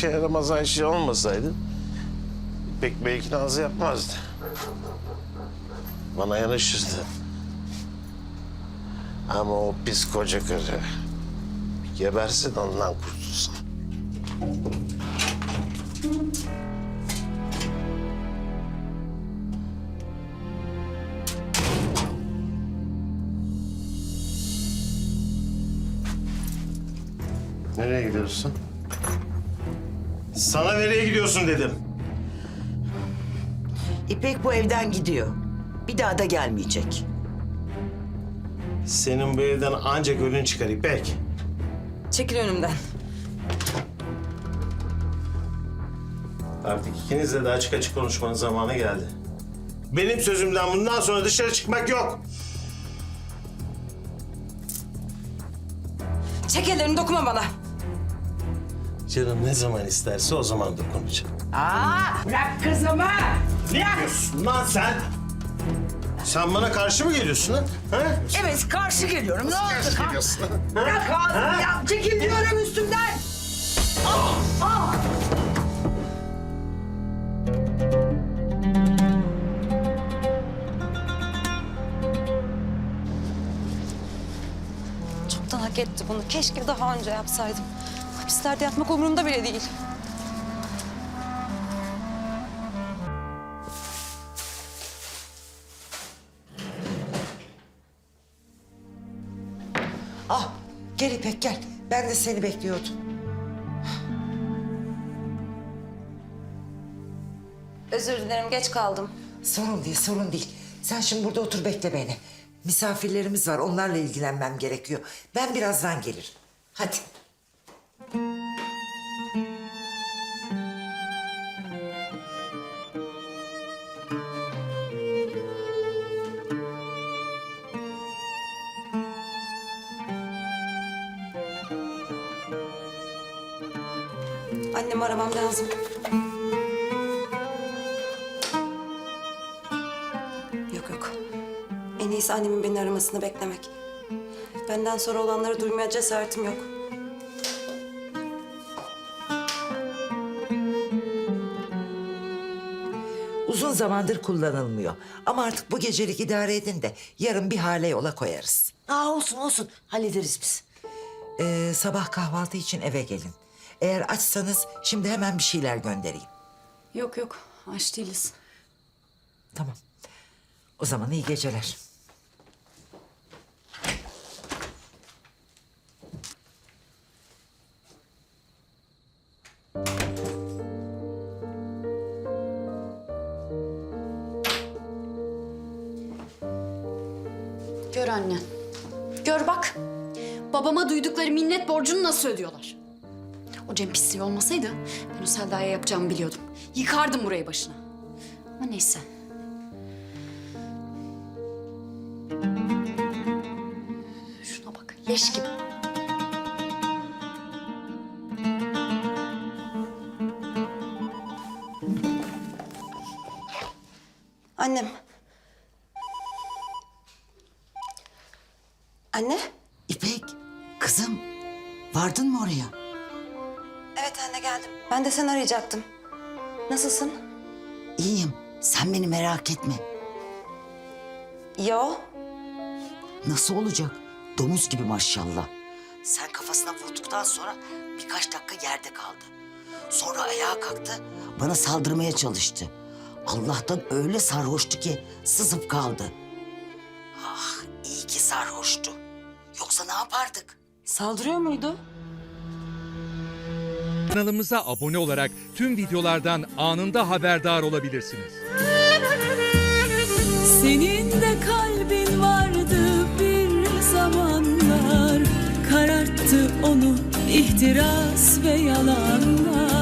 işe yaramaz Ayşe olmasaydı İpek belki nazı yapmazdı. Bana yanaşırdı. Ama o pis koca karı gebersin ondan kurtulsun. Nereye gidiyorsun? Sana nereye gidiyorsun dedim. İpek bu evden gidiyor. Bir daha da gelmeyecek. Senin bu evden ancak ölün çıkar İpek. Çekil önümden. Artık ikinizle de açık açık konuşmanın zamanı geldi. Benim sözümden bundan sonra dışarı çıkmak yok. Çek ellerini, dokunma bana. Canım ne zaman isterse o zaman dokunacağım. Bırak kızımı! Ne yapıyorsun lan sen? Sen bana karşı mı geliyorsun ha? Evet, karşı geliyorum. Ne oldu? Geliyorsun. Bırak ağzını ya! Çekil diyorum üstümden! Çoktan hak etti bunu. Keşke daha önce yapsaydım. Hapislerde yatmak umurumda bile değil. Ah, gel İpek gel. Ben de seni bekliyordum. Özür dilerim, geç kaldım. Sorun değil, sorun değil. Sen şimdi burada otur bekle beni. Misafirlerimiz var, onlarla ilgilenmem gerekiyor. Ben birazdan gelirim. Hadi. Annemi aramam lazım. Yok yok. En iyisi annemin beni aramasını beklemek. Benden sonra olanları duymaya cesaretim yok. Uzun zamandır kullanılmıyor. Ama artık bu gecelik idare edin de yarın bir hale yola koyarız. Olsun olsun hallederiz biz. Sabah kahvaltı için eve gelin. Eğer açsanız şimdi hemen bir şeyler göndereyim. Yok yok, aç değiliz. Tamam. O zaman iyi geceler. Gör anne. Gör bak. Babama duydukları minnet borcunu nasıl ödüyorlar? O Cem pisliği olmasaydı ben o Selda'ya yapacağımı biliyordum. Yıkardım burayı başına. Ama neyse. Şuna bak, leş gibi. Annem. Anne? İpek, kızım vardın mı oraya? Evet anne, geldim. Ben de seni arayacaktım. Nasılsın? İyiyim. Sen beni merak etme. Yo. Nasıl olacak? Domuz gibi maşallah. Sen kafasına vurduktan sonra birkaç dakika yerde kaldı. Sonra ayağa kalktı, bana saldırmaya çalıştı. Allah'tan öyle sarhoştu ki sızıp kaldı. Ah, iyi ki sarhoştu. Yoksa ne yapardık? Saldırıyor muydu? Kanalımıza abone olarak tüm videolardan anında haberdar olabilirsiniz. Senin de kalbin vardı bir zamanlar, kararttı onu ihtiras ve yalanlar.